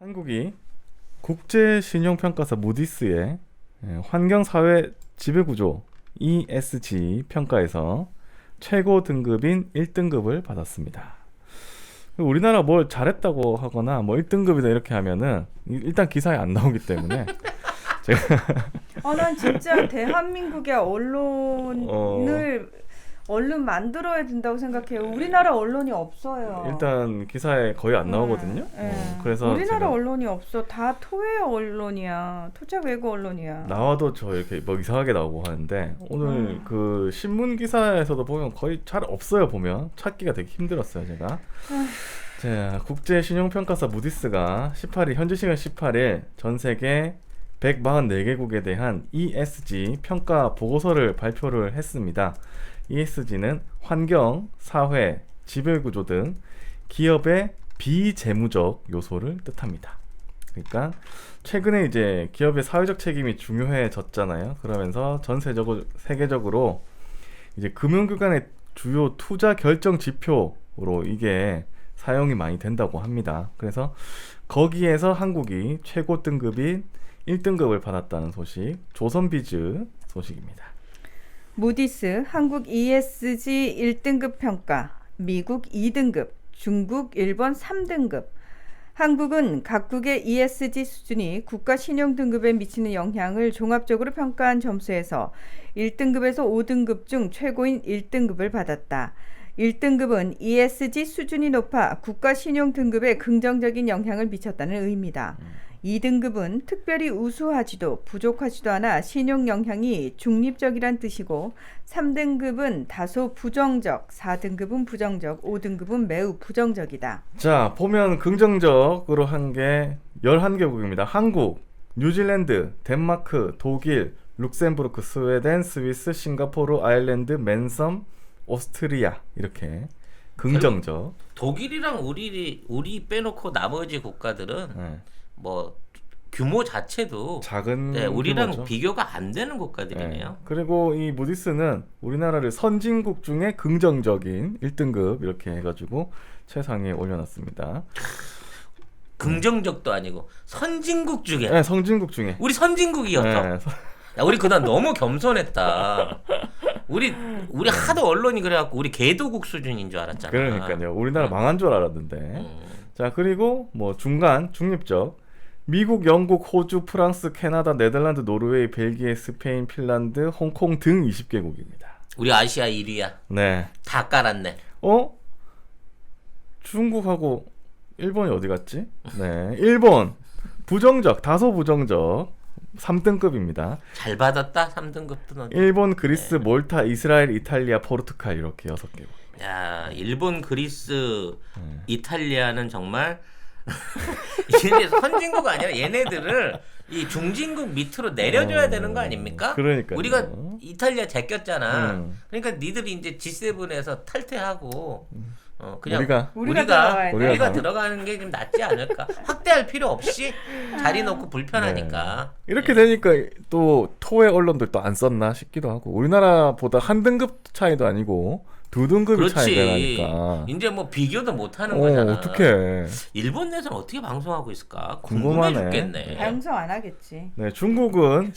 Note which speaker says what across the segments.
Speaker 1: 한국이 국제신용평가사 무디스의 환경사회 지배구조 ESG 평가에서 최고 등급인 1등급을 받았습니다. 우리나라 뭘 잘했다고 하거나 뭐 1등급이다 이렇게 하면은 일단 기사에 안 나오기 때문에 제가
Speaker 2: 난 진짜 대한민국의 언론을 얼른 만들어야 된다고 생각해요. 우리나라 언론이 없어요.
Speaker 1: 일단 기사에 거의 안 나오거든요. 그래서
Speaker 2: 우리나라 언론이 없어. 다 토해 언론이야. 토착 외국 언론이야.
Speaker 1: 나와도 저 이렇게 뭐 이상하게 나오고 하는데 오늘 그 신문 기사에서도 보면 거의 잘 없어요. 보면 찾기가 되게 힘들었어요. 제가. 자, 국제신용평가사 무디스가 18일 현지 시간 18일 전 세계 144개국에 대한 ESG 평가 보고서를 발표를 했습니다. ESG는 환경, 사회, 지배구조 등 기업의 비재무적 요소를 뜻합니다. 그러니까 최근에 이제 기업의 사회적 책임이 중요해졌잖아요. 그러면서 전 세계적으로 이제 금융기관의 주요 투자 결정 지표로 이게 사용이 많이 된다고 합니다. 그래서 거기에서 한국이 최고 등급인 1등급을 받았다는 소식, 조선비즈 소식입니다.
Speaker 2: 무디스 한국 ESG 1등급 평가, 미국 2등급, 중국, 일본 3등급. 한국은 각국의 ESG 수준이 국가 신용 등급에 미치는 영향을 종합적으로 평가한 점수에서 1등급에서 5등급 중 최고인 1등급을 받았다. 1등급은 ESG 수준이 높아 국가 신용 등급에 긍정적인 영향을 미쳤다는 의미다. 2등급은 특별히 우수하지도 부족하지도 않아 신용 영향이 중립적이란 뜻이고 3등급은 다소 부정적, 4등급은 부정적, 5등급은 매우 부정적이다.
Speaker 1: 자, 보면 긍정적으로 한 게 11개국입니다. 한국, 뉴질랜드, 덴마크, 독일, 룩셈부르크, 스웨덴, 스위스, 싱가포르, 아일랜드, 맨섬, 오스트리아 이렇게 긍정적.
Speaker 3: 독일이랑 우리 빼놓고 나머지 국가들은 뭐 규모 자체도
Speaker 1: 작은
Speaker 3: 우리랑
Speaker 1: 규모죠.
Speaker 3: 비교가 안 되는 국가들이네요.
Speaker 1: 그리고 이 무디스는 우리나라를 선진국 중에 긍정적인 1등급 이렇게 해가지고 최상위에 올려놨습니다.
Speaker 3: 긍정적도 아니고 선진국 중에.
Speaker 1: 네, 선진국 중에.
Speaker 3: 우리 선진국이었어.
Speaker 1: 네.
Speaker 3: 야, 우리 그날 너무 겸손했다. 우리 하도 언론이 그래갖고 우리 개도국 수준인 줄 알았잖아.
Speaker 1: 그러니까요. 우리나라 망한 줄 알았는데. 자, 그리고 뭐 중간 중립적 미국, 영국, 호주, 프랑스, 캐나다, 네덜란드, 노르웨이, 벨기에, 스페인, 핀란드, 홍콩 등 20개국입니다.
Speaker 3: 우리 아시아 1위야.
Speaker 1: 네.
Speaker 3: 다 깔았네.
Speaker 1: 중국하고 일본이 어디 갔지? 네. 일본 부정적, 다소 부정적 3등급입니다.
Speaker 3: 잘 받았다. 3등급도.
Speaker 1: 일본, 그리스, 몰타, 이스라엘, 이탈리아, 포르투갈 이렇게 6개국.
Speaker 3: 야, 일본, 그리스, 이탈리아는 정말 얘네 선진국 아니라 얘네들을 이 중진국 밑으로 내려줘야 되는 거 아닙니까?
Speaker 1: 그러니까요.
Speaker 3: 우리가 이탈리아 제꼈잖아. 그러니까 니들이 이제 G7에서 탈퇴하고 그냥 우리가 들어가는 게 좀 낫지 않을까? 확대할 필요 없이 자리 놓고 불편하니까.
Speaker 1: 이렇게 되니까 또 토의 언론들 또 안 썼나 싶기도 하고 우리나라보다 한 등급 차이도 아니고 2등급이 차이가 나니까
Speaker 3: 이제 뭐 비교도 못 하는 거잖아.
Speaker 1: 어떡해.
Speaker 3: 일본 내에서는 어떻게 방송하고 있을까?
Speaker 1: 궁금하네.
Speaker 3: 궁금해 죽겠네.
Speaker 2: 방송 안 하겠지.
Speaker 1: 네, 중국은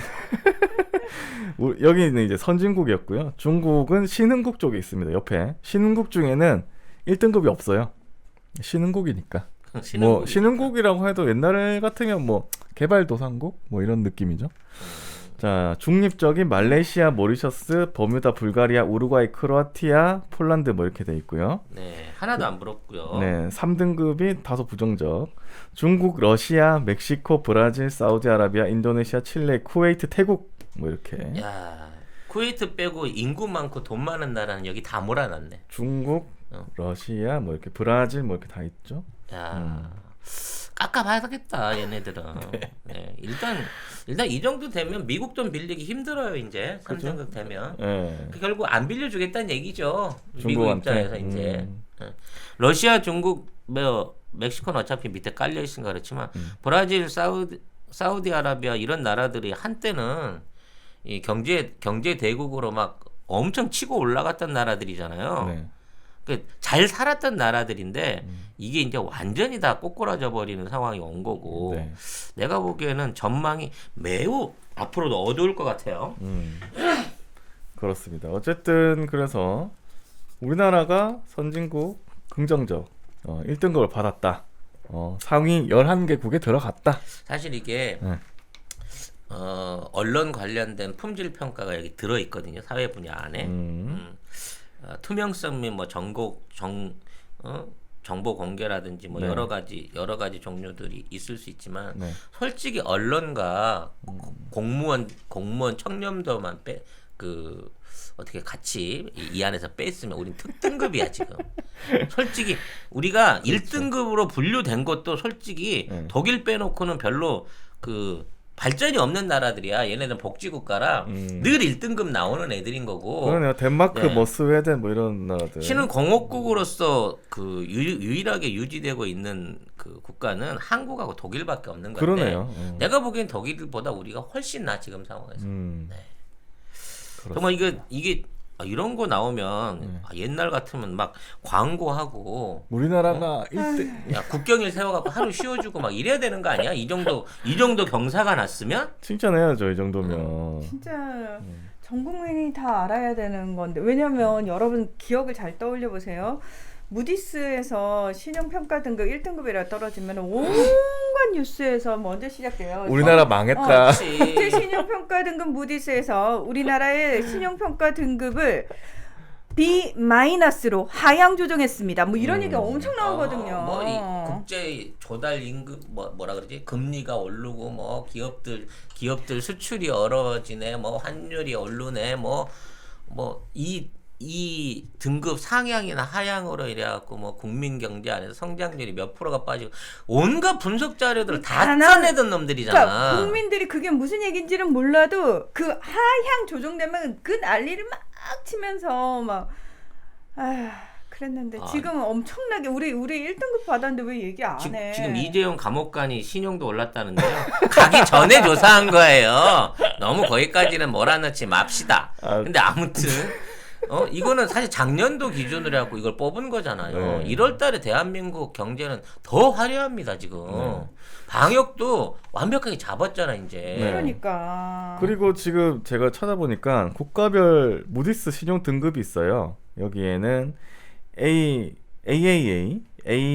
Speaker 1: 여기는 이제 선진국이었고요. 중국은 신흥국 쪽에 있습니다. 옆에 신흥국 중에는 1등급이 없어요. 신흥국이니까. 뭐 신흥국이라고 해도 옛날 같으면 뭐 개발도상국 뭐 이런 느낌이죠. 자, 중립적인 말레이시아, 모리셔스, 버뮤다, 불가리아, 우루과이, 크로아티아, 폴란드 뭐 이렇게 돼 있고요.
Speaker 3: 네, 하나도 안 부럽고요.
Speaker 1: 네, 3등급이 다소 부정적. 중국, 러시아, 멕시코, 브라질, 사우디아라비아, 인도네시아, 칠레, 쿠웨이트, 태국 뭐 이렇게.
Speaker 3: 야, 쿠웨이트 빼고 인구 많고 돈 많은 나라는 여기 다 몰아놨네.
Speaker 1: 중국, 러시아 뭐 이렇게 브라질 뭐 이렇게 다 있죠.
Speaker 3: 야, 깎아봐야겠다 얘네들은. 네, 일단 이 정도 되면 미국 돈 빌리기 힘들어요 이제. 3등급 되면. 결국 안 빌려주겠다는 얘기죠. 미국 입장에서 이제. 러시아, 중국, 멕시코는 어차피 밑에 깔려 있으니까 그렇지만 브라질, 사우디아라비아 이런 나라들이 한때는 이 경제 대국으로 막 엄청 치고 올라갔던 나라들이잖아요. 잘 살았던 나라들인데 이게 이제 완전히 다 꼬꾸라져 버리는 상황이 온 거고
Speaker 1: 네.
Speaker 3: 내가 보기에는 전망이 매우 앞으로도 어두울 것 같아요.
Speaker 1: 그렇습니다. 어쨌든 그래서 우리나라가 선진국 긍정적 1등급을 받았다. 상위 11개국에 들어갔다.
Speaker 3: 사실 이게
Speaker 1: 네.
Speaker 3: 언론 관련된 품질 평가가 여기 들어 있거든요. 사회 분야 안에. 투명성 및 뭐 정보 공개라든지 뭐
Speaker 1: 네.
Speaker 3: 여러 가지 종류들이 있을 수 있지만
Speaker 1: 네.
Speaker 3: 솔직히 언론과 공무원 청렴도만 어떻게 같이 이 안에서 뺐으면 우린 특등급이야 지금. 솔직히 우리가 1등급으로 분류된 것도 솔직히
Speaker 1: 네.
Speaker 3: 독일 빼놓고는 별로 발전이 없는 나라들이야. 얘네는 복지국가라 늘 1등급 나오는 애들인 거고.
Speaker 1: 그러네요. 덴마크,
Speaker 3: 네.
Speaker 1: 뭐 스웨덴 뭐 이런 나라들.
Speaker 3: 신흥 공업국으로서 유일하게 유지되고 있는 국가는 한국하고 독일밖에 없는 건데.
Speaker 1: 그러네요.
Speaker 3: 내가 보기엔 독일보다 우리가 훨씬 나 지금 상황에서. 네.
Speaker 1: 그렇습니다.
Speaker 3: 정말 이게 이런 거 나오면 옛날 같으면 막 광고하고
Speaker 1: 우리나라가 1등.
Speaker 3: 야 국경일 세워갖고 하루 쉬어주고 막 이래야 되는 거 아니야? 이 정도 경사가 났으면
Speaker 1: 칭찬해야죠, 이 정도면.
Speaker 2: 진짜 전 국민이 다 알아야 되는 건데 왜냐면 여러분 기억을 잘 떠올려 보세요. 무디스에서 신용평가 등급 1등급이라 떨어지면 온갖 뉴스에서 먼저 시작돼요.
Speaker 1: 우리나라 망했다.
Speaker 2: 국제 신용평가 등급 무디스에서 우리나라의 신용평가 등급을 B-로 하향 조정했습니다. 뭐 이런 얘기가 엄청 나오거든요.
Speaker 3: 뭐 이 국제 조달 임금 뭐라 그러지? 금리가 오르고 뭐 기업들 수출이 얼어지네. 뭐 환율이 오르네. 뭐 이 등급 상향이나 하향으로 이래갖고 뭐 국민 경제 안에서 성장률이 몇 프로가 빠지고 온갖 분석 자료들을 다 짜내던 놈들이잖아.
Speaker 2: 그러니까 국민들이 그게 무슨 얘기인지는 몰라도 그 하향 조정되면 그 난리를 막 치면서 막 그랬는데 지금 엄청나게 우리 1등급 받았는데 왜 얘기 안 해?
Speaker 3: 지금 이재용 감옥관이 신용도 올랐다는데요. 가기 전에 조사한 거예요. 너무 거기까지는 몰아넣지 맙시다. 근데 아무튼 이거는 사실 작년도 기준으로 해갖고 이걸 뽑은 거잖아요.
Speaker 1: 네.
Speaker 3: 1월 달에 대한민국 경제는 더 화려합니다, 지금. 방역도 완벽하게 잡았잖아, 이제.
Speaker 1: 네.
Speaker 2: 그러니까.
Speaker 1: 그리고 지금 제가 찾아보니까 국가별 무디스 신용 등급이 있어요. 여기에는 AAA,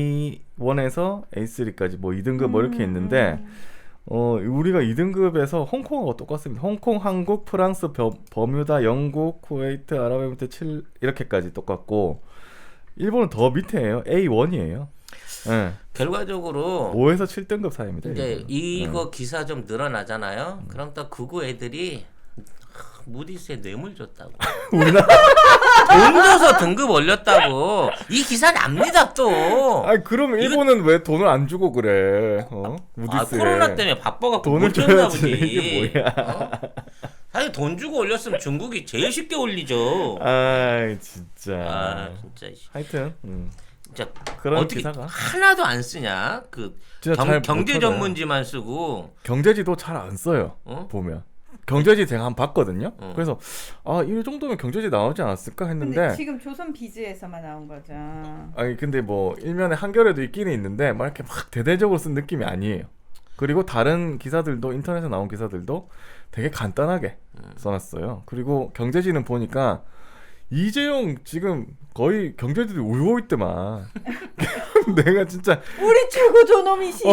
Speaker 1: A1에서 A3까지 뭐 2등급 뭐 이렇게 있는데 우리가 2등급에서 홍콩하고 똑같습니다. 홍콩, 한국, 프랑스, 버뮤다, 영국, 쿠웨이트, 아랍에미리트, 칠 이렇게까지 똑같고 일본은 더 밑에예요. A1이에요. 네.
Speaker 3: 결과적으로
Speaker 1: 5에서 7등급 사이입니다.
Speaker 3: 이제 이거 기사 좀 늘어나잖아요. 그럼 또 그거 애들이 무디스에 뇌물 줬다고.
Speaker 1: 우리나라
Speaker 3: 돈 줘서 등급 올렸다고. 이 기사 납니다 또.
Speaker 1: 아니 그럼 일본은 왜 돈을 안 주고 그래? 무디스에.
Speaker 3: 코로나 때문에 바빠갖고
Speaker 1: 돈을
Speaker 3: 못 줬나
Speaker 1: 줘야지.
Speaker 3: 보지.
Speaker 1: 이게 뭐야?
Speaker 3: 사실 돈 주고 올렸으면 중국이 제일 쉽게 올리죠.
Speaker 1: 아이 진짜.
Speaker 3: 진짜.
Speaker 1: 하여튼
Speaker 3: 진짜
Speaker 1: 그런
Speaker 3: 어떻게
Speaker 1: 기사가
Speaker 3: 하나도 안 쓰냐?
Speaker 1: 진짜 잘
Speaker 3: 경제
Speaker 1: 못 찾아요.
Speaker 3: 전문지만 쓰고.
Speaker 1: 경제지도 잘 안 써요. 보면. 경제지 제가 한번 봤거든요. 그래서 이 정도면 경제지 나오지 않았을까 했는데
Speaker 2: 근데 지금 조선 비즈에서만 나온 거죠.
Speaker 1: 아니 근데 뭐 일면에 한겨레도 있기는 있는데 막 이렇게 막 대대적으로 쓴 느낌이 아니에요. 그리고 다른 기사들도 인터넷에 나온 기사들도 되게 간단하게 써놨어요. 그리고 경제지는 보니까 이재용 지금 거의 경제지들이 울고 있더만. 내가 진짜
Speaker 2: 우리 최고 존엄이신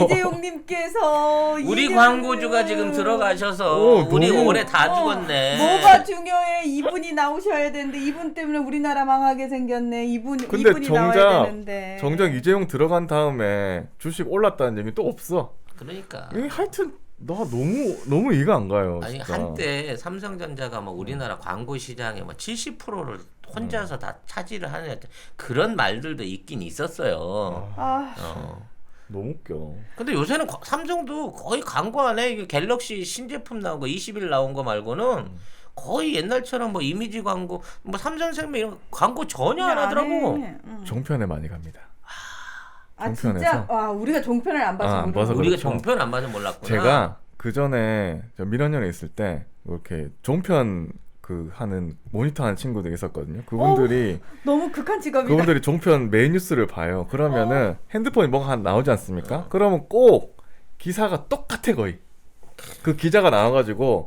Speaker 2: 이재용님께서
Speaker 3: 우리
Speaker 2: 이재용을-
Speaker 3: 광고주가 지금 들어가셔서 우리
Speaker 1: 너무-
Speaker 3: 올해 다 죽었네.
Speaker 2: 뭐가 중요해? 이분이 나오셔야 되는데 이분 때문에 우리나라 망하게 생겼네. 이분이 나와야 되는데.
Speaker 1: 정작 이재용 들어간 다음에 주식 올랐다는 얘기 또 없어.
Speaker 3: 그러니까.
Speaker 1: 하여튼 나 너무 이해가 안 가요.
Speaker 3: 아니
Speaker 1: 진짜.
Speaker 3: 한때 삼성전자가 뭐 우리나라 광고 시장의 뭐 70%를 혼자서 다 차지를 하는 그런 말들도 있긴 있었어요.
Speaker 1: 너무 웃겨.
Speaker 3: 근데 요새는 삼성도 거의 광고 안 해. 이게 갤럭시 신제품 나온 거 20일 나온 거 말고는 거의 옛날처럼 뭐 이미지 광고, 뭐 삼성생명 이런 광고 전혀 안 하더라고.
Speaker 1: 종편에 많이 갑니다.
Speaker 2: 진짜? 와 우리가 종편을 안 봐서
Speaker 1: 안 봐서
Speaker 3: 우리가
Speaker 1: 그렇죠.
Speaker 3: 종편 안 봐서 몰랐구나.
Speaker 1: 제가 그 전에 민원연에 있을 때 이렇게 종편 그 하는 모니터하는 친구들이 있었거든요. 그분들이
Speaker 2: 너무 극한 직업이다.
Speaker 1: 그분들이 종편 메인 뉴스를 봐요. 그러면은 핸드폰이 뭐가 하나 나오지 않습니까? 그러면 꼭 기사가 똑같아 거의. 그 기자가 나와가지고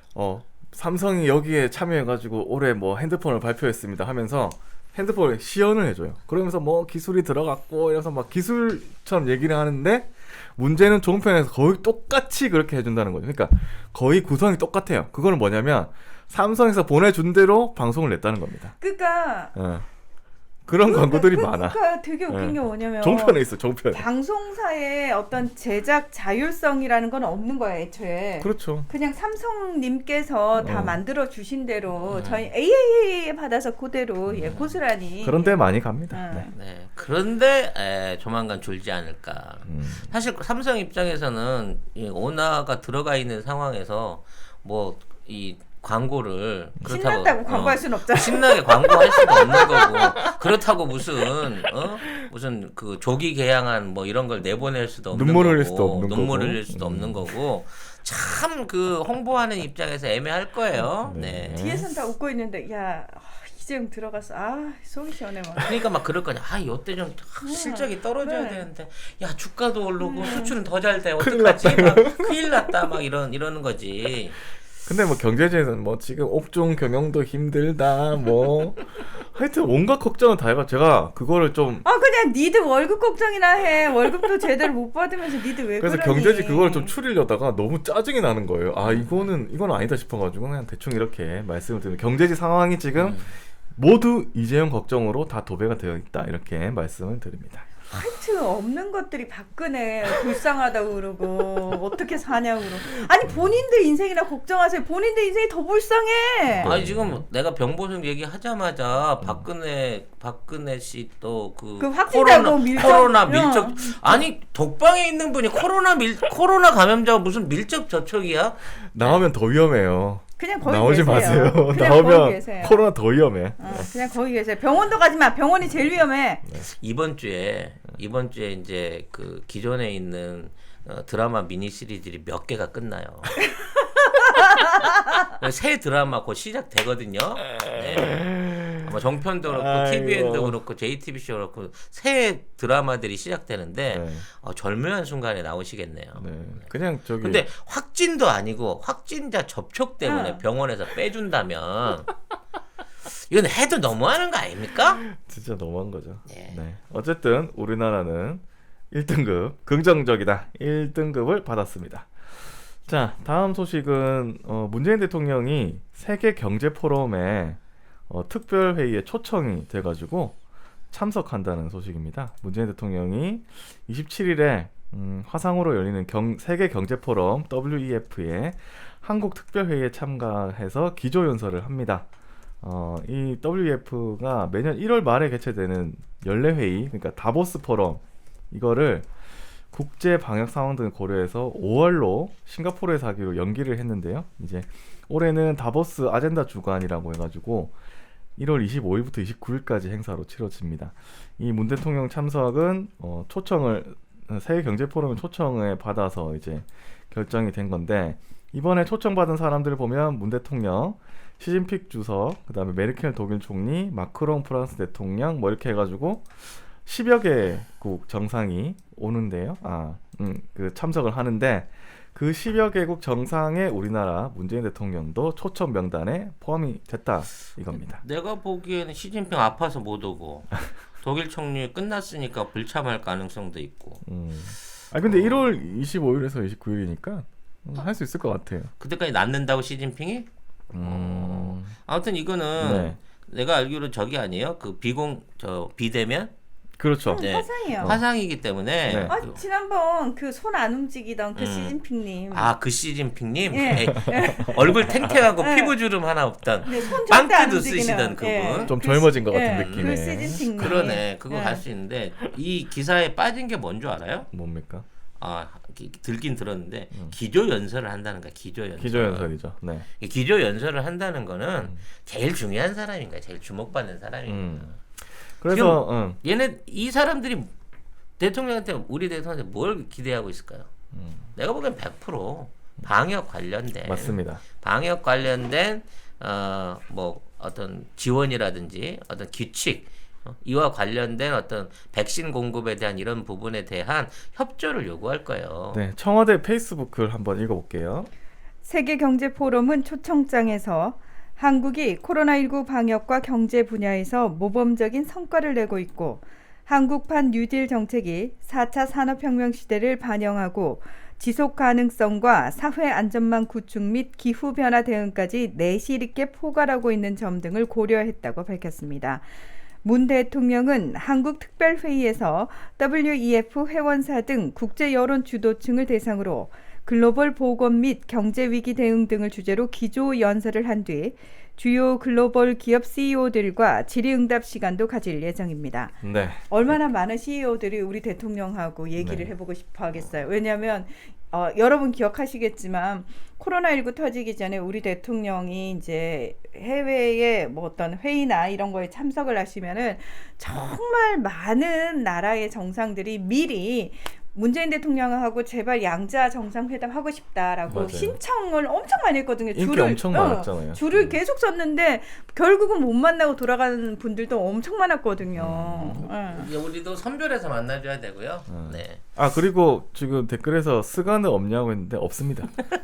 Speaker 1: 삼성이 여기에 참여해가지고 올해 뭐 핸드폰을 발표했습니다 하면서 핸드폰을 시연을 해줘요. 그러면서 뭐 기술이 들어갔고 이래서 막 기술처럼 얘기를 하는데 문제는 종편에서 거의 똑같이 그렇게 해준다는 거죠. 그러니까 거의 구성이 똑같아요. 그거는 뭐냐면 삼성에서 보내준 대로 방송을 냈다는 겁니다.
Speaker 2: 그러니까
Speaker 1: 그런 광고들이 많아.
Speaker 2: 그러니까 되게 웃긴 게 뭐냐면
Speaker 1: 종편에 있어, 종편에.
Speaker 2: 방송사의 어떤 제작 자율성이라는 건 없는 거야 애초에.
Speaker 1: 그렇죠.
Speaker 2: 그냥 삼성님께서 다 만들어 주신 대로 저희 AAA 받아서 그대로 고스란히.
Speaker 1: 그런데 많이 갑니다. 네.
Speaker 3: 네. 그런데 조만간 줄지 않을까. 사실 삼성 입장에서는 이 오나가 들어가 있는 상황에서 뭐 이 광고를
Speaker 2: 신났다고 광고할 수는 없잖아.
Speaker 3: 신나게 광고할 수도 없는 거고 그렇다고 무슨 그 조기 개양한 뭐 이런 걸 내보낼 수도 없는
Speaker 1: 눈물
Speaker 3: 거고
Speaker 1: 흘릴 수도 없는
Speaker 3: 눈물
Speaker 1: 거고.
Speaker 3: 흘릴 수도 없는 거고 참 그 홍보하는 입장에서 애매할 거예요.
Speaker 1: 네.
Speaker 2: 뒤에선 다 웃고 있는데 야 이재용 들어가서 속이 시원해 막.
Speaker 3: 그러니까 막 그럴 거냐. 이때 좀 실적이 떨어져야
Speaker 2: 그래.
Speaker 3: 되는데 야 주가도 오르고 수출은 더 잘 돼. 어떡하지? 막 큰일 났다. 막 이러는 거지.
Speaker 1: 근데 뭐 경제지에서는 뭐 지금 옥중 경영도 힘들다 뭐 하여튼 온갖 걱정은 다 해가 제가 그거를 좀
Speaker 2: 그냥 니들 월급 걱정이나 해. 월급도 제대로 못 받으면서 니들 왜
Speaker 1: 그래서
Speaker 2: 그러니.
Speaker 1: 경제지 그걸 좀 추리려다가 너무 짜증이 나는 거예요. 이건 아니다 싶어가지고 그냥 대충 이렇게 말씀을 드리는 경제지 상황이 지금 모두 이재용 걱정으로 다 도배가 되어 있다 이렇게 말씀을 드립니다.
Speaker 2: 하여튼 없는 것들이 박근혜 불쌍하다고 그러고 어떻게 사냐고 그러고. 아니 본인들 인생이나 걱정하세요. 본인들 인생이 더 불쌍해.
Speaker 3: 아니 지금 내가 병보승 얘기하자마자 박근혜 씨 또
Speaker 2: 그 확진자고
Speaker 3: 코로나 밀접 아니 독방에 있는 분이 코로나 감염자가 무슨 밀접 접촉이야?
Speaker 1: 나오면 더 위험해요.
Speaker 2: 그냥 거기
Speaker 1: 나오지
Speaker 2: 계세요.
Speaker 1: 마세요.
Speaker 2: 그냥 거기
Speaker 1: 나오면
Speaker 2: 계세요.
Speaker 1: 코로나 더 위험해.
Speaker 2: 그냥 거기 계세요. 병원도 가지 마. 병원이 제일 위험해.
Speaker 3: 이번 주에 이제 그 기존에 있는 드라마 미니 시리즈들이 몇 개가 끝나요. 새 드라마 곧 시작되거든요. 네. 아마 정편도 그렇고 TVN도 그렇고 JTBC도 그렇고 새 드라마들이 시작되는데 절묘한 순간에 나오시겠네요.
Speaker 1: 네. 그냥 저기.
Speaker 3: 근데 확진도 아니고 확진자 접촉 때문에 병원에서 빼준다면 이건 해도 너무하는 거 아닙니까?
Speaker 1: 진짜 너무한 거죠.
Speaker 3: 네.
Speaker 1: 네. 어쨌든 우리나라는 1등급 긍정적이다. 1등급을 받았습니다. 자, 다음 소식은 문재인 대통령이 세계 경제 포럼에 특별 회의에 초청이 돼가지고 참석한다는 소식입니다. 문재인 대통령이 27일에 화상으로 열리는 세계 경제 포럼 WEF에 한국 특별 회의에 참가해서 기조 연설을 합니다. 이 WEF가 매년 1월 말에 개최되는 연례 회의, 그러니까 다보스 포럼 이거를 국제 방역 상황 등을 고려해서 5월로 싱가포르에서 하기로 연기를 했는데요. 이제 올해는 다보스 아젠다 주간이라고 해가지고 1월 25일부터 29일까지 행사로 치러집니다. 이 문 대통령 참석은 세계 경제 포럼 초청을 받아서 이제 결정이 된 건데 이번에 초청받은 사람들을 보면 문 대통령, 시진핑 주석, 그다음에 메르켈 독일 총리, 마크롱 프랑스 대통령 뭐 이렇게 해가지고 10여 개국 정상이 오는데요. 그 참석을 하는데 그 10여 개국 정상에 우리나라 문재인 대통령도 초청 명단에 포함이 됐다 이겁니다.
Speaker 3: 내가 보기에는 시진핑 아파서 못 오고 독일 총리 끝났으니까 불참할 가능성도 있고.
Speaker 1: 근데 1월 25일에서 29일이니까 할 수 있을 것 같아요.
Speaker 3: 그때까지 낳는다고 시진핑이? 아무튼 이거는 내가 알기로 저기 아니에요? 그 비대면?
Speaker 1: 그렇죠.
Speaker 3: 네.
Speaker 2: 화상이에요.
Speaker 3: 화상이기 때문에.
Speaker 2: 지난번 그 손 안 움직이던 그 시진핑님.
Speaker 3: 그 시진핑님?
Speaker 2: 예.
Speaker 3: 얼굴 탱탱하고 피부주름 하나 없던 빵크도 쓰시던 그분.
Speaker 1: 좀 젊어진 것 같은 느낌의.
Speaker 2: 그 시진핑님.
Speaker 3: 그러네. 그거 갈 수 있는데 이 기사에 빠진 게 뭔 줄 알아요?
Speaker 1: 뭡니까?
Speaker 3: 들긴 들었는데 기조 연설을 한다는 거야. 기조
Speaker 1: 연설이죠. 네.
Speaker 3: 기조 연설을 한다는 거는 제일 중요한 사람인 거야. 제일 주목받는 사람인 거야.
Speaker 1: 그래서
Speaker 3: 이 사람들이 우리 대통령한테 뭘 기대하고 있을까요? 내가 보기엔 100% 방역 관련된
Speaker 1: 맞습니다.
Speaker 3: 방역 관련된 뭐 어떤 지원이라든지 어떤 규칙 이와 관련된 어떤 백신 공급에 대한 이런 부분에 대한 협조를 요구할 거예요.
Speaker 1: 네, 청와대 페이스북을 한번 읽어볼게요.
Speaker 2: 세계경제포럼은 초청장에서 한국이 코로나19 방역과 경제 분야에서 모범적인 성과를 내고 있고 한국판 뉴딜 정책이 4차 산업혁명 시대를 반영하고 지속 가능성과 사회 안전망 구축 및 기후변화 대응까지 내실 있게 포괄하고 있는 점 등을 고려했다고 밝혔습니다. 문 대통령은 한국특별회의에서 WEF 회원사 등 국제 여론 주도층을 대상으로 글로벌 보건 및 경제 위기 대응 등을 주제로 기조 연설을 한 뒤 주요 글로벌 기업 CEO들과 질의응답 시간도 가질 예정입니다.
Speaker 1: 네.
Speaker 2: 얼마나 많은 CEO들이 우리 대통령하고 얘기를
Speaker 1: 네.
Speaker 2: 해보고 싶어 하겠어요. 왜냐하면 여러분 기억하시겠지만 코로나19 터지기 전에 우리 대통령이 이제 해외에 뭐 어떤 회의나 이런 거에 참석을 하시면은 정말 많은 나라의 정상들이 미리 문재인 대통령하고 제발 양자 정상회담 하고 싶다라고
Speaker 1: 맞아요.
Speaker 2: 신청을 엄청 많이 했거든요.
Speaker 1: 인기 엄청 많았잖아요.
Speaker 2: 줄을 계속 섰는데 결국은 못 만나고 돌아가는 분들도 엄청 많았거든요. 예.
Speaker 3: 우리도 선별해서 만나줘야 되고요. 네.
Speaker 1: 아 그리고 지금 댓글에서 스가는 없냐고 했는데 없습니다.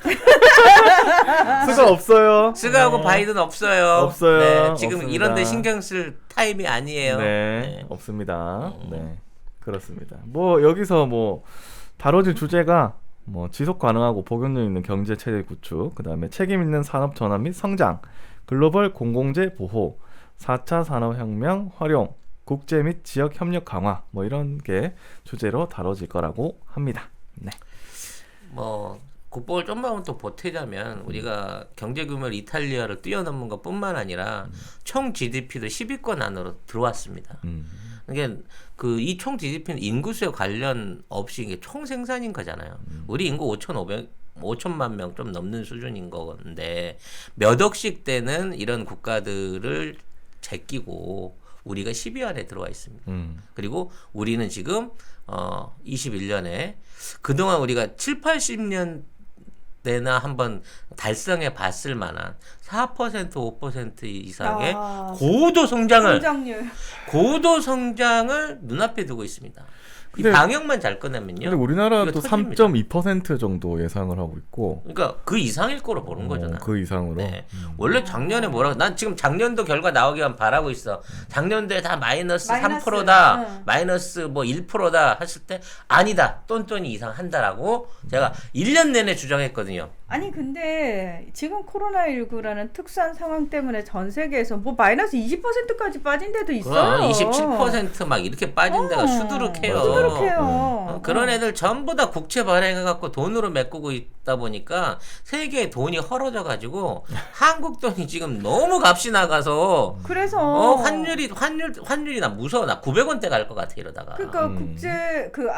Speaker 1: 스가 없어요.
Speaker 3: 스가하고 바이든 없어요.
Speaker 1: 없어요.
Speaker 3: 네, 지금
Speaker 1: 없습니다.
Speaker 3: 이런데 신경 쓸 타임이 아니에요.
Speaker 1: 네, 없습니다. 네, 그렇습니다. 뭐 여기서 뭐 다뤄질 주제가 뭐 지속 가능하고 복용력 있는 경제 체제 구축, 그다음에 책임 있는 산업 전환 및 성장, 글로벌 공공재 보호, 4차 산업혁명 활용, 국제 및 지역 협력 강화, 뭐 이런 게 주제로 다뤄질 거라고 합니다. 네.
Speaker 3: 뭐 국뽕을 좀만 또 보태자면 우리가 경제 규모를 이탈리아를 뛰어넘은 것뿐만 아니라 총 GDP도 10위권 안으로 들어왔습니다. 그러니까 그 이 총 GDP는 인구수에 관련 없이 이게 총 생산인 거잖아요. 우리 인구 5천만 명 좀 넘는 수준인 건데 몇 억씩 되는 이런 국가들을 제끼고 우리가 10위 안에 들어와 있습니다. 그리고 우리는 지금 21년에 그동안 우리가 7, 80년 내나 한번 달성해 봤을 만한 4%, 5% 이상의 고도 성장을 눈앞에 두고 있습니다. 이
Speaker 1: 근데-
Speaker 3: 방역만 잘 꺼내면요.
Speaker 1: 근데 우리나라도
Speaker 3: 이거 터집니다.
Speaker 1: 3.2% 정도 예상을 하고 있고,
Speaker 3: 그러니까 그 이상일 거로 보는 거잖아.
Speaker 1: 그 이상으로.
Speaker 3: 네. 원래 작년에 난 지금 작년도 결과 나오기만 바라고 있어. 작년도에 다 마이너스 3%다,
Speaker 2: 응.
Speaker 3: 마이너스 뭐 1%다 했을 때 아니다, 똔똔이 이상 한다라고 제가 1년 내내 주장했거든요.
Speaker 2: 아니 근데 지금 코로나19라는 특수한 상황 때문에 전 세계에서 뭐 마이너스 20%까지 빠진 데도 있어요.
Speaker 3: 그럼 27%막 이렇게 빠진 데가 수두룩해요.
Speaker 2: 수두룩해요.
Speaker 3: 그런 애들 전부 다 국채 발행해갖고 돈으로 메꾸고 있다 보니까 세계에 돈이 헐어져가지고 한국 돈이 지금 너무 값이 나가서
Speaker 2: 그래서
Speaker 3: 환율이 나 무서워. 나 900원대 갈 것 같아 이러다가.
Speaker 2: 그러니까 국제 그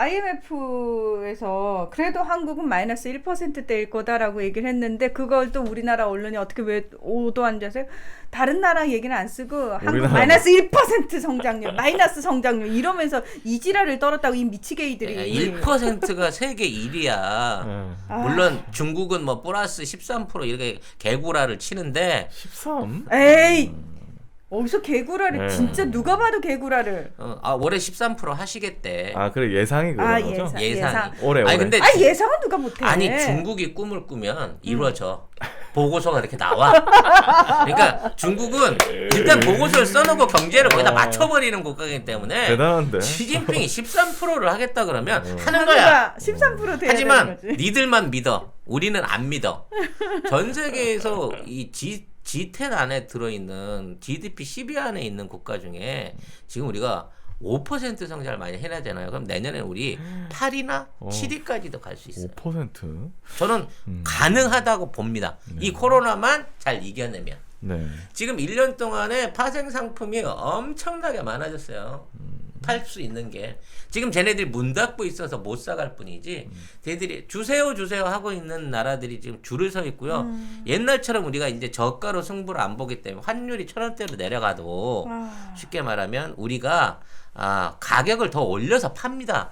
Speaker 2: IMF에서 그래도 한국은 마이너스 1%대일 거다라고 얘기를 했는데 그걸 또 우리나라 언론이 어떻게 왜 오도 앉아서 다른 나라 얘기는 안 쓰고 한국
Speaker 1: 우리나라
Speaker 2: 마이너스 1% 성장률, 마이너스 성장률 이러면서 이지랄을 떨었다고 이 미치게이들이
Speaker 3: 1%가 세계 1위야. 물론 중국은 뭐 플러스 13% 이렇게 개구라를 치는데
Speaker 1: 13?
Speaker 2: 에이 어디서 개구라를
Speaker 1: 네.
Speaker 2: 진짜 누가 봐도 개구라를
Speaker 3: 올해 13% 하시겠대.
Speaker 1: 아 그래 예상이 그런 거죠?
Speaker 3: 예상이.
Speaker 1: 올해
Speaker 3: 아니 근데
Speaker 2: 예상은 누가 못해.
Speaker 3: 아니 중국이 꿈을 꾸면 이루어져. 보고서가 이렇게 나와. 그러니까 중국은 일단 보고서를 써놓고 경제를 거기다 맞춰버리는 국가이기 때문에
Speaker 1: 대단한데.
Speaker 3: 시진핑이 13%를 하겠다 그러면 하는 거야.
Speaker 2: 13% 돼야
Speaker 3: 하지만
Speaker 2: 되는 거지.
Speaker 3: 니들만 믿어. 우리는 안 믿어. 전 세계에서 이 G10 안에 들어있는 GDP 10위 안에 있는 국가 중에 지금 우리가 5% 성장을 많이 해야 되잖아요. 그럼 내년에 우리 8위나 7위까지도 갈 수 있어요.
Speaker 1: 5%?
Speaker 3: 저는 가능하다고 봅니다. 이 코로나만 잘 이겨내면.
Speaker 1: 네.
Speaker 3: 지금 1년 동안에 파생 상품이 엄청나게 많아졌어요. 팔 수 있는 게. 지금 쟤네들이 문 닫고 있어서 못 사갈 뿐이지 쟤들이 주세요 하고 있는 나라들이 지금 줄을 서 있고요. 옛날처럼 우리가 이제 저가로 승부를 안 보기 때문에 환율이 1,000원대로 내려가도 쉽게 말하면 우리가 가격을 더 올려서 팝니다.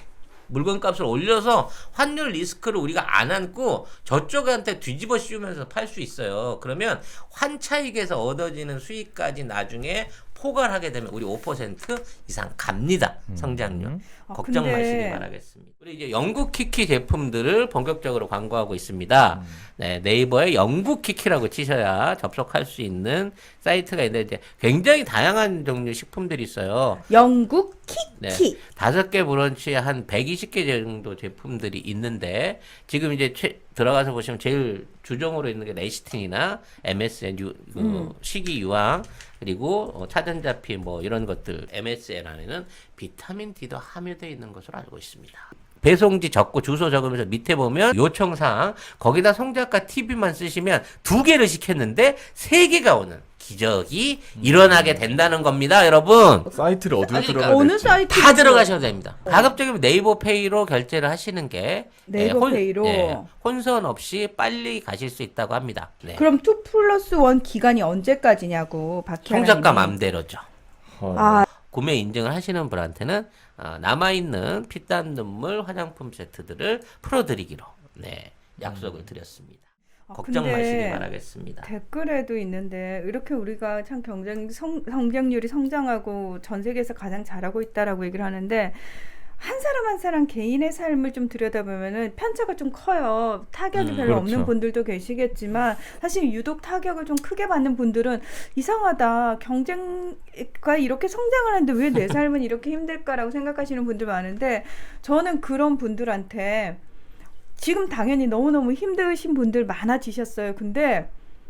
Speaker 3: 물건값을 올려서 환율 리스크를 우리가 안 안고 저쪽한테 뒤집어 씌우면서 팔 수 있어요. 그러면 환차익에서 얻어지는 수익까지 나중에 포괄하게 되면 우리 5% 이상 갑니다. 성장률. 걱정
Speaker 2: 근데...
Speaker 3: 마시기 바라겠습니다. 우리 이제 영국 키키 제품들을 본격적으로 광고하고 있습니다. 네, 네이버에 영국 키키라고 치셔야 접속할 수 있는 사이트가 있는데 이제 굉장히 다양한 종류 식품들이 있어요.
Speaker 2: 영국 키키.
Speaker 3: 네, 5개 브런치에 한 120개 정도 제품들이 있는데 지금 이제 들어가서 보시면 제일 주종으로 있는 게 레시틴이나 MSN 식이유황 그리고 차전자피 뭐 이런 것들 MSN 안에는 비타민 D도 함유되어 있는 것으로 알고 있습니다. 배송지 적고 주소 적으면서 밑에 보면 요청사항 거기다 송작가 TV만 쓰시면 2개를 시켰는데 3개가 오는 기적이 일어나게 된다는 겁니다, 여러분.
Speaker 1: 사이트를 어디로
Speaker 3: 그러니까
Speaker 1: 들어가야
Speaker 2: 어느
Speaker 1: 될지.
Speaker 2: 사이트
Speaker 3: 다 들어가셔도 됩니다. 가급적이면 네이버페이로 결제를 하시는 게
Speaker 2: 네이버페이로
Speaker 3: 혼선 없이 빨리 가실 수 있다고 합니다. 네.
Speaker 2: 그럼 2+1 기간이 언제까지냐고 박혜라님이.
Speaker 3: 송작가 맘대로죠.
Speaker 2: 아,
Speaker 3: 구매 인증을 하시는 분한테는 남아있는 피땀 눈물 화장품 세트들을 풀어드리기로 약속을 드렸습니다. 걱정
Speaker 2: 근데
Speaker 3: 마시기 바라겠습니다.
Speaker 2: 댓글에도 있는데 이렇게 우리가 참 성장률이 성장하고 전 세계에서 가장 잘하고 있다라고 얘기를 하는데 한 사람 한 사람 개인의 삶을 좀 들여다보면은 편차가 좀 커요. 타격이 별로
Speaker 1: 그렇죠.
Speaker 2: 없는 분들도 계시겠지만 사실 유독 타격을 좀 크게 받는 분들은 이상하다. 경쟁가 이렇게 성장을 하는데 왜 내 삶은 이렇게 힘들까라고 생각하시는 분들 많은데 저는 그런 분들한테 지금 당연히 너무너무 힘드신 분들 많아지셨어요. 근데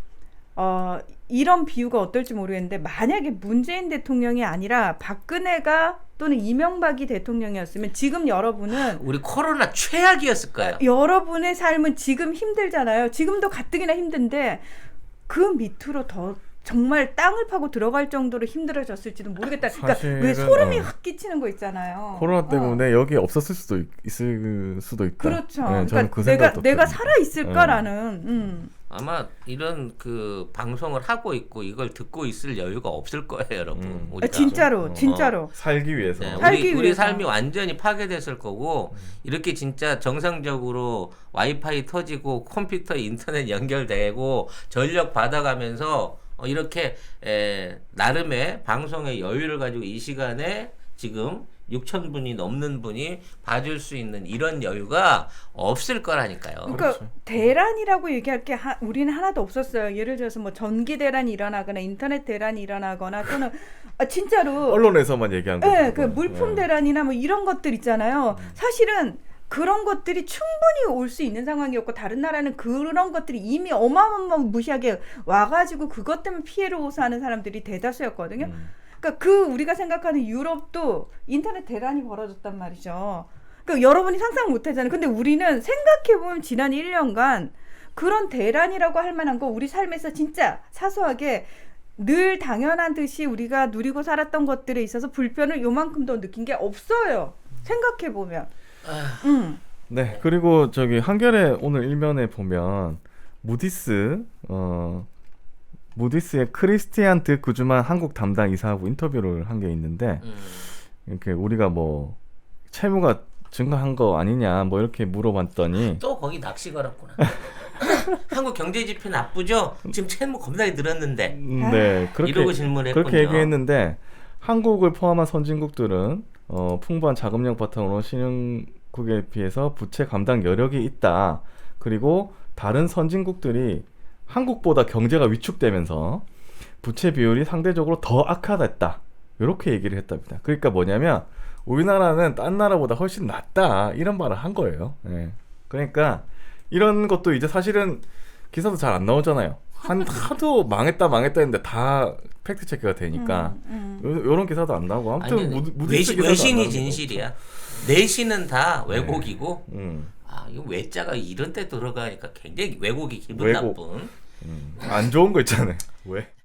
Speaker 2: 이런 비유가 어떨지 모르겠는데 만약에 문재인 대통령이 아니라 박근혜가 또는 이명박이 대통령이었으면 지금 여러분은
Speaker 3: 우리 코로나 최악이었을 거예요.
Speaker 2: 여러분의 삶은 지금 힘들잖아요. 지금도 가뜩이나 힘든데 그 밑으로 더 정말 땅을 파고 들어갈 정도로 힘들어졌을지도 모르겠다. 그러니까 왜 소름이 확 끼치는 거 있잖아요.
Speaker 1: 코로나 때문에 여기 없었을 수도 있을 수도 있다.
Speaker 2: 그렇죠.
Speaker 1: 네,
Speaker 2: 그러니까
Speaker 1: 그
Speaker 2: 내가 살아 있을까라는.
Speaker 3: 아마 이런 그 방송을 하고 있고 이걸 듣고 있을 여유가 없을 거예요, 여러분. 우리가.
Speaker 2: 진짜로.
Speaker 1: 살기 위해서.
Speaker 3: 네, 우리 삶이 완전히 파괴됐을 거고 이렇게 진짜 정상적으로 와이파이 터지고 컴퓨터 인터넷 연결되고 전력 받아가면서 이렇게 나름의 방송의 여유를 가지고 이 시간에 지금 6,000분이 넘는 분이 봐줄 수 있는 이런 여유가 없을 거라니까요.
Speaker 2: 그러니까
Speaker 1: 그렇죠.
Speaker 2: 대란이라고 얘기할 게 우리는 하나도 없었어요. 예를 들어서 뭐 전기 대란이 일어나거나 인터넷 대란이 일어나거나 또는 진짜로
Speaker 1: 언론에서만 얘기한 거죠.
Speaker 2: 그 물품 대란이나 뭐 이런 것들 있잖아요. 사실은 그런 것들이 충분히 올 수 있는 상황이었고 다른 나라는 그런 것들이 이미 어마어마무시하게 와가지고 그것 때문에 피해를 호소하는 사람들이 대다수였거든요. 그러니까 우리가 생각하는 유럽도 인터넷 대란이 벌어졌단 말이죠. 그러니까 여러분이 상상 못하잖아요. 근데 우리는 생각해보면 지난 1년간 그런 대란이라고 할 만한 거 우리 삶에서 진짜 사소하게 늘 당연한 듯이 우리가 누리고 살았던 것들에 있어서 불편을 요만큼도 느낀 게 없어요. 생각해보면.
Speaker 1: 네, 그리고 저기 한겨레 오늘 일면에 보면 무디스의 크리스티안 드 구즈만 한국 담당 이사하고 인터뷰를 한 게 있는데 이렇게 우리가 뭐 채무가 증가한 거 아니냐 뭐 이렇게 물어봤더니
Speaker 3: 또 거기 낚시 걸었구나. 한국 경제 지표 나쁘죠? 지금 채무 겁나게 늘었는데.
Speaker 1: 네,
Speaker 3: 이러고 질문했군요.
Speaker 1: 그렇게 얘기했는데 한국을 포함한 선진국들은 풍부한 자금력 바탕으로 신흥국에 비해서 부채 감당 여력이 있다. 그리고 다른 선진국들이 한국보다 경제가 위축되면서 부채 비율이 상대적으로 더 악화됐다. 이렇게 얘기를 했답니다. 그러니까 뭐냐면 우리나라는 딴 나라보다 훨씬 낫다. 이런 말을 한 거예요. 네. 그러니까 이런 것도 이제 사실은 기사도 잘 안 나오잖아요. 하도 망했다 했는데 다 팩트 체크가 되니까 이런 기사도 안 나오고 아무튼
Speaker 3: 외신이 진실이야. 내신은 다 왜곡이고 이거 외자가 이런 데 들어가니까 굉장히 왜곡이 기분 나쁜
Speaker 1: 안 좋은 거 있잖아요. 왜?